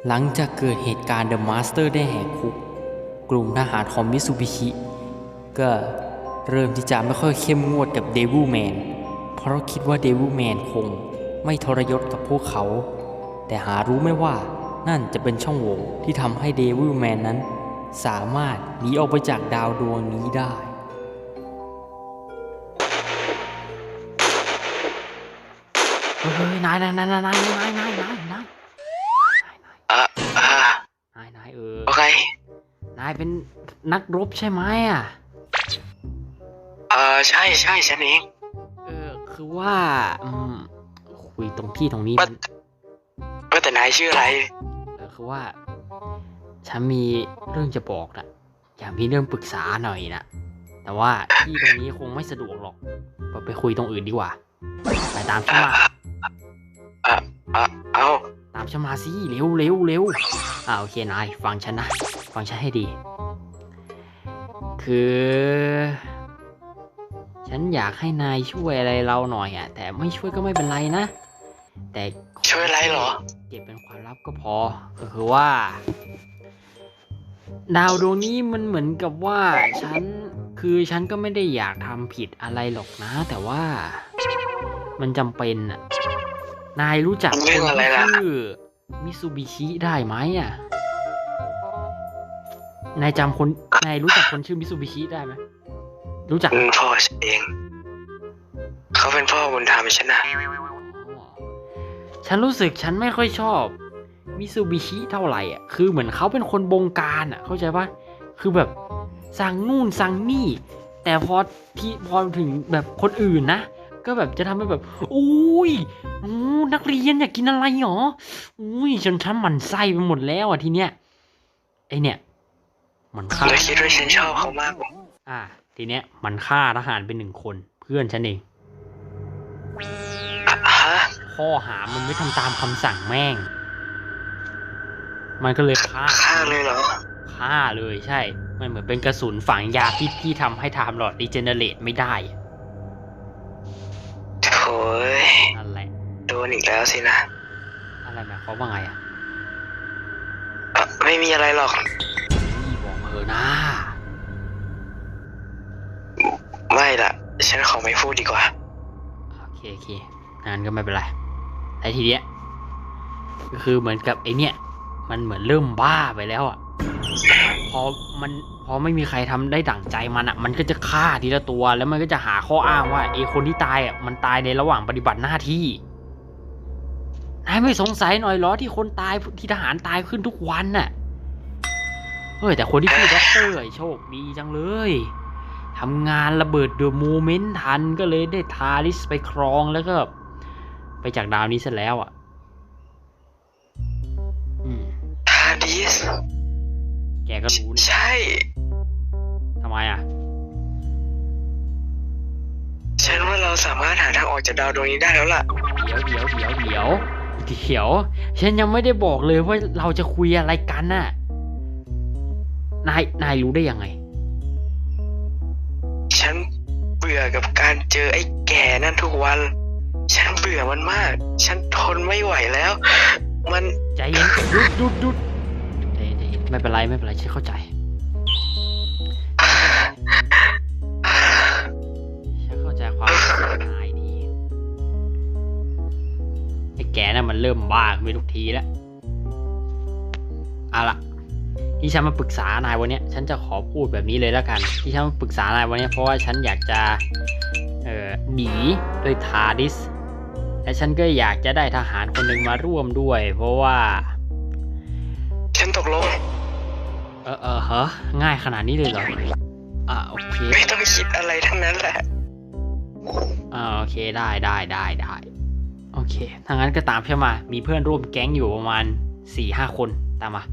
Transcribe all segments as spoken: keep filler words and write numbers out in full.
หลังจากเกิดเหตุการณ์เดอะมาสเตอร์ได้แหกคุกกลุ่มทหารของมิตซูบิชิก็เริ่มที่จะไม่ค่อยเข้มงวดกับเดวิลแมนเพราะคิดว่าเดวิลแมนคงไม่ทรยศกับพวกเขาแต่หารู้ไม่ว่านั่นจะเป็นช่องโหว่ที่ทำให้เดวิลแมนนั้นสามารถหนีออกไปจากดาวดวงนี้ได้เฮ้ยนายนายนายนายนายนายนายนายนายอ่ะอ่านายนายเออโอเคนายเป็นนักรบใช่ไหมอ่ะเออใช่ใช่ฉันเองเออคือว่าอืมคุยตรงที่ตรงนี้ว่าว่าแต่นายชื่ออะไรเออคือว่าฉันมีเรื่องจะบอกนะอยากมีเรื่องปรึกษาหน่อยนะแต่ว่าที่ตรงนี้คงไม่สะดวกหรอกไปคุยตรงอื่นดีกว่าไปตามฉันมาอ่ะอ่ะเอาตามฉันมาสิเร็วเร็วเร็วอ่าโอเคนายฟังฉันนะฟังฉันให้ดีคือฉันอยากให้นายช่วยอะไรเราหน่อยอ่ะแต่ไม่ช่วยก็ไม่เป็นไรนะแต่ช่วยอะไรเหรอเก็บเป็นความลับก็พอก็คือว่าดาวดวงนี้มันเหมือนกับว่าฉันคือฉันก็ไม่ได้อยากทำผิดอะไรหรอกนะแต่ว่ามันจำเป็นอ่ะนายรู้จักคนที่ชื่อมิซูบิชิได้ไหมอ่ะนายจำคนนายรู้จักคนชื่อมิซูบิชิได้ไหมรู้จักพ่อฉันเองเขาเป็นพ่อบุญธรรมฉันนะฉันรู้สึกฉันไม่ค่อยชอบมิซูบิชิเท่าไหร่อ่ะคือเหมือนเขาเป็นคนบงการอ่ะเข้าใจปะคือแบบสั่งนู่นสั่งนี่แต่พอที่พอถึงแบบคนอื่นนะก็แบบจะทำให้แบบอุ้ยนักเรียนอยากกินอะไรหรออุ้ยจนฉันหมั่นไส้ไปหมดแล้วอ่ะทีเนี้ยไอเนี้ยมันฆ่าเลยคิดว่าฉันชอบเขามากอ่าทีเนี้ยมันฆ่าทหารเป็นหนึ่งคนเพื่อนฉันเองข้อหามันไม่ทำตามคำสั่งแม่งมันก็เลยฆ่าฆ่าเลยเหรอฆ่าเลยใช่มันเหมือนเป็นกระสุนฝังยาพิษที่ทำให้ไทม์ลอร์ดรีเจเนเรตไม่ได้โถ่นั่นแหละโดนอีกแล้วสินะอะไรหมายความว่าไงอ่ะไม่มีอะไรหรอกนี่บอกเออนะไม่ล่ะฉันขอไม่พูดดีกว่าโอเคโอเคงั้นก็ไม่เป็นไรไอ้ทีเนี้ยก็คือเหมือนกับไอ้เนี้ยมันเหมือนเริ่มบ้าไปแล้วอ่ะพอมันพอไม่มีใครทำได้ดั่งใจมันอ่ะมันก็จะฆ่าทีละตัวแล้วมันก็จะหาข้ออ้างว่าไอ้คนที่ตายอ่ะมันตายในระหว่างปฏิบัติหน้าที่นายไม่สงสัยหน่อยเหรอที่คนตายที่ทหารตายขึ้นทุกวันน่ะเฮ้ยแต่คนที่ชื่อด็อกเตอร์โชคดีจังเลยทำงานระเบิดเดอะโมเมนต์ทันก็เลยได้ทาริสไปครองแล้วก็ไปจากดาวนี้เสร็จแล้วอ่ะทาริสแกก็รู้ใช่ทำไมอ่ะฉันว่าเราสามารถหาทางออกจากดาวดวงนี้ได้แล้วล่ะเดี๋ยวเดี๋ยวเดี๋ยวเดี๋ยวเดี๋ยวฉันยังไม่ได้บอกเลยว่าเราจะคุยอะไรกันน่ะนายนายรู้ได้ยังไงฉันเบื่อกับการเจอไอ้แก่นั่นทุกวันฉันเบื่อมันมากฉันทนไม่ไหวแล้วมันใจเย็นหยุดหยุดหยุดใจเย็นใจเย็นไม่เป็นไรไม่เป็นไรฉันเข้าใจฉันเข้าใจความรู้สึกนายดีไอ้แก่นั่นมันเริ่มบ้าไปทุกทีแล้วเอาล่ะที่ฉันมาปรึกษานายวันนี้ฉันจะขอพูดแบบนี้เลยแล้วกันที่ฉันมาปรึกษานายวันนี้เพราะว่าฉันอยากจะเอ่อหนีด้วยทาริสและฉันก็อยากจะได้ทหารคนหนึ่งมาร่วมด้วยเพราะว่าฉันตกลงเออเออฮะง่ายขนาดนี้เลยเหรออ่าโอเคไม่ต้องคิดอะไรทั้งนั้นแหละอ่าโอเคได้ได้ได้ได้โอเคถ้างั้นก็ตามฉันมามีเพื่อนร่วมแก๊งอยู่ประมาณ สี่ห้า คนตามมา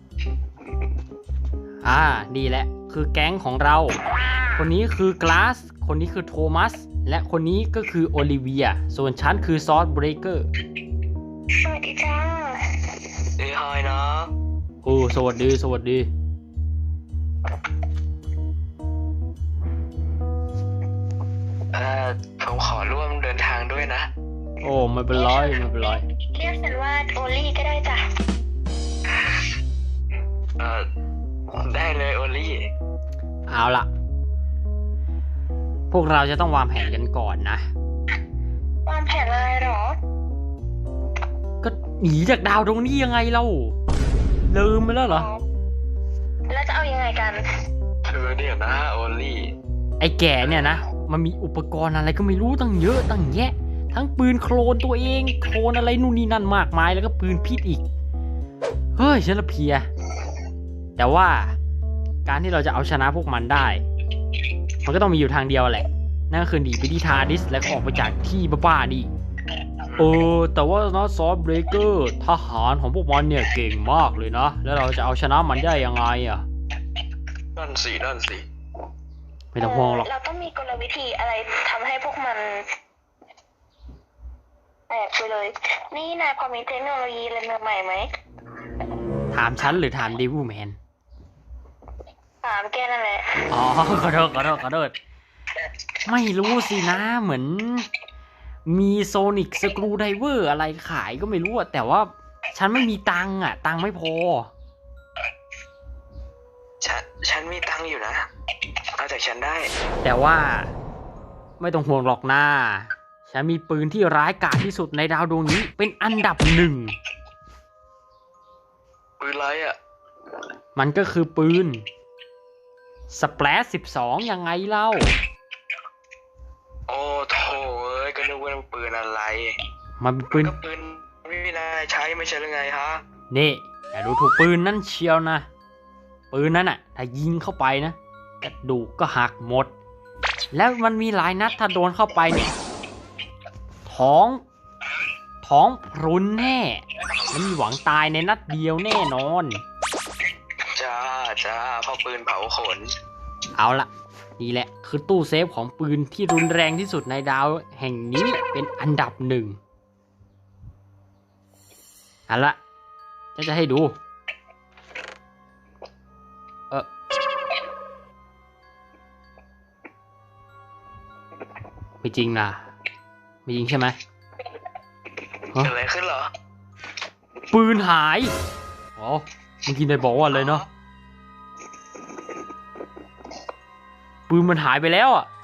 อ่าดีแหละคือแก๊งของเราคนนี้คือกลาสคนนี้คือโทมัสและคนนี้ก็คือโอลิเวียส่วนฉันคือซอสเบรเกอร์สวัสดีจ้าเอ้ยฮายนะโอ้สวัสดีสวัสดีเอ่อผมขอร่วมเดินทางด้วยนะโอ้ไม่เป็นไรไม่เป็นไรเรียกฉันว่าโอลี่ก็ได้จ้ะฮเออได้เลยโอลี่เอาล่ะ พวกเราจะต้องวางแผนกันก่อนนะวางแผนอะไรหรอก็หนีจากดาวดวงนี้ยังไงเล่าลืมไปแล้วเหรอแล้วจะเอายังไงกันคือเดี๋ยวนะโอลี่ไอ้แก่เนี่ยนะ มันมีอุปกรณ์อะไรก็ไม่รู้ตั้งเยอะตั้งแยะ ทั้งปืนโคลนตัวเอง โคลนอะไรนู่นนี่นั่นมากมาย แล้วก็ปืนพิษอีก เฮ้ยฉันละเพลีย แต่ว่าการที่เราจะเอาชนะพวกมันได้ มันก็ต้องมีอยู่ทางเดียวแหละ นั่นก็คือหนีไปที่ทาร์ดิสแล้วก็ออกไปจากที่บ้าๆนี่เออ แต่ว่านะซอฟเบรเกอร์ทหารของพวกมันเนี่ยเก่งมากเลยนะ แล้วเราจะเอาชนะมันได้ยังไงอ่ะนั่นสินั่นสิไม่ต้องห่วงหรอกเราต้องมีกลวิธีอะไรทำให้พวกมันแตกไปเลย นี่นายพอมีเทคโนโลยีอะไรใหม่ๆไหมถามฉันหรือถามดิวูแมนถามแกนั่นแหละอ๋อ ขอโทษขอโทษขอโทษไม่รู้สินะ เหมือน มีโซนิกสกรูไดเวอร์อะไรขายก็ไม่รู้อะแต่ว่าฉันไม่มีตังค์อะตังค์ไม่พอฉันฉันมีตังค์อยู่นะ เอาจากฉันได้แต่ว่าไม่ต้องห่วงหรอกนะฉันมีปืนที่ร้ายกาจที่สุดในดาวดวงนี้เป็นอันดับหนึ่งปืนไรอ่ะมันก็คือปืนสเปรดสิบสองยังไงเล่าโอ้โถเอ้ยก็นึกว่ามันปืนอะไรมันเป็นปืนก็ปืนไม่มีนายใช้ไม่ใช่หรือไงฮะนี่อย่าดูถูกปืนนั่นเชียวนะ ปืนนั้นอ่ะถ้ายิงเข้าไปนะกระดูกก็หักหมด แล้วมันมีหลายนัดถ้าโดนเข้าไปเนี่ยท้องท้องพรุนแน่แล้วมีหวังตายในนัดเดียวแน่นอนจ้าจ้าเพราะปืนเผาขนเอาละนี่แหละคือตู้เซฟของปืนที่รุนแรงที่สุดในดาวแห่งนี้เป็นอันดับหนึ่งเอาละจะจะให้ดู เออไม่จริงนะไม่จริงใช่ไหมเกิดอะไรขึ้นเหรอปืนหายอ๋อเมื่อกี้นายบอกว่าอะไรเนาะปืนมันหายไปแล้วอ่ะ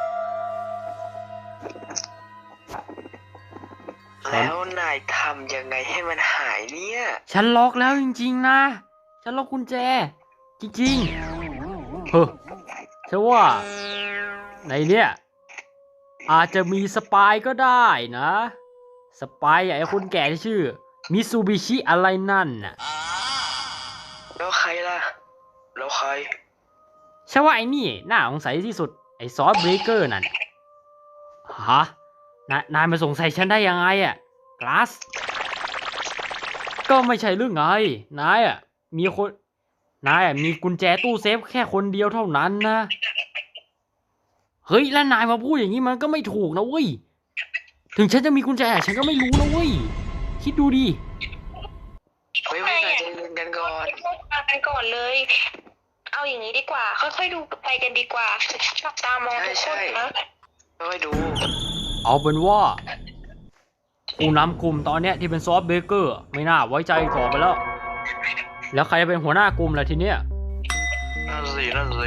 แล้วนายทำยังไงให้มันหายเนี่ยฉันล็อกแล้วจริงๆนะ ฉันล็อกกุญแจ จริงๆเฮ้อฉันว่าในเนี้ยอาจจะมีสปายก็ได้นะ สปายไอ้คนแก่ที่ชื่อมิซูบิชิอะไรนั่นน่ะแล้วใครล่ะ แล้วใครฉันว่าไอ้นี่น่าสงสัยที่สุดไอ้ซอสเบรกเกอร์นั่นฮะนายนายมาสงสัยฉันได้ยังไงอ่ะกลาสก็ไม่ใช่เรื่องไงนายอ่ะมีคนนายอ่ะมีกุญแจตู้เซฟแค่คนเดียวเท่านั้นนะเฮ้ยแล้วนายมาพูดอย่างนี้มันก็ไม่ถูกนะเว้ยถึงฉันจะมีกุญแจฉันก็ไม่รู้นะเว้ยคิดดูดิเฮ้ยไม่นายใจเย็นกันก่อนพูดมากันก่อนเลย เอาอย่างนี้ดีกว่า ค่อยๆดูไปกันดีกว่าจับตามองทุกคนนะค่อยดูเอาเป็นว่าผู้นำกลุ่มตอนเนี้ยที่เป็นซอฟต์เบเกอร์ไม่น่าไว้ใจต่อไปแล้ว แล้วใครจะเป็นหัวหน้ากลุ่มล่ะทีเนี้ยนั่นสินั่นสิ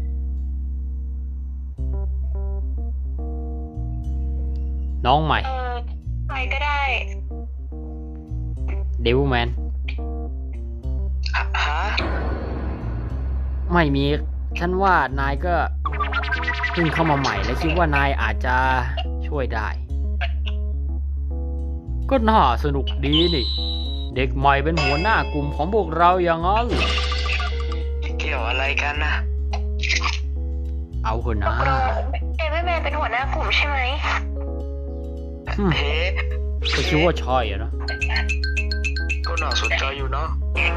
น้องใหม่เออใครก็ได้เดวิลแมนฮะไม่มีฉันว่านายก็เพิ่งเข้ามาใหม่และคิดว่านายอาจจะช่วยได้ ก็น่าสนุกดีนี่ เด็กใหม่เป็นหัวหน้ากลุ่มของพวกเราอย่างนั้นเกี่ยวอะไรกันนะเอาเถอะตนะกลงเอเวอร์แมนเป็นหัวหน้ากลุ่มใช่ไหมอืมเฮ้ก็คิดว่าใช่อะนะก็น่าสนใจอยู่เนาะ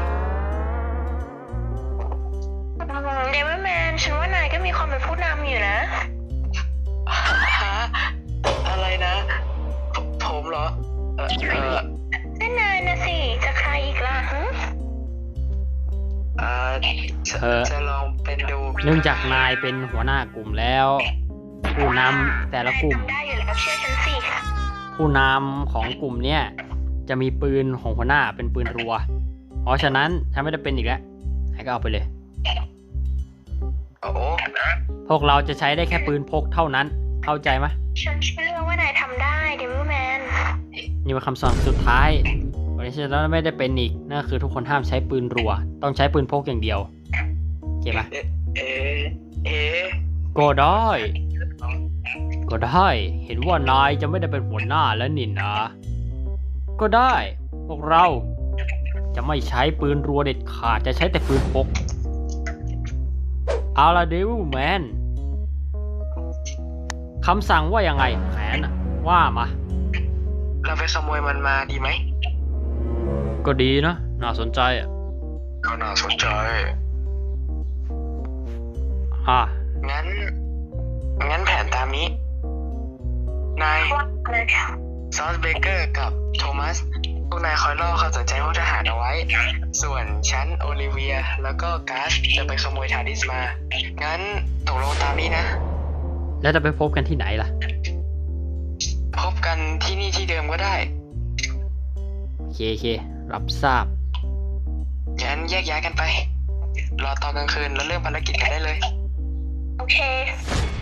เอเวอร์แมนฉันว่านายก็มีความเป็นผู้นำอยู่นะฮะ อะไรนะผผมเหรอ เออเออนั่นนายนะสิ จะใครอีกล่ะฮะอ่าจะเออจะลองเป็นดูเนื่องจากนายเป็นหัวหน้ากลุ่มแล้ว ผู้นำแต่ละกลุ่มได้อยู่แล้วเชื่อฉันสิผู้นำของกลุ่มเนี้ยจะมีปืนของหัวหน้าเป็นปืนรัว เพราะฉะนั้นฉันไม่ได้เป็นอีกแล้วให้ก็เอาไปเลยโอ้โหพวกเราจะใช้ได้แค่ปืนพกเท่านั้น เข้าใจไหมฉันเชื่อว่านายทำได้เดวิลแมนนี่เป็นคำสั่งสุดท้ายวันนี้ฉันไม่ได้เป็นอีกนั่นคือทุกคนห้ามใช้ปืนรัว ต้องใช้ปืนพกอย่างเดียวโอเคไหมเอ๊ะเอ๊ะเอ๊ะก็ได้ ก็ได้ เห็นว่านายจะไม่ได้เป็นหัวหน้าแล้วนี่นะ ก็ได้ พวกเราจะไม่ใช้ปืนรัวเด็ดขาด จะใช้แต่ปืนพก เอาละเดวิลแมน คำสั่งว่ายังไงแผนน่ะว่ามาเราไปขโมยมันมาดีไหมก็ดีนะ น่าสนใจอ่ะก็น่าสนใจอ่ะงั้น งั้นแผนตามนี้ นาย ซอสเบเกอร์กับโทมัส พวกนายคอยล่อความสนใจพวกทหารเอาไว้ ส่วนฉันโอลิเวีย แล้วก็กาสจะไปขโมยทาร์ดิสมา งั้นตกลงตามนี้นะแล้วจะไปพบกันที่ไหนล่ะพบกันที่นี่ที่เดิมก็ได้โอเคโอเครับทราบงั้นแยกย้ายกันไป รอตอนกลางคืนแล้วเริ่มภารกิจกันได้เลยโอเค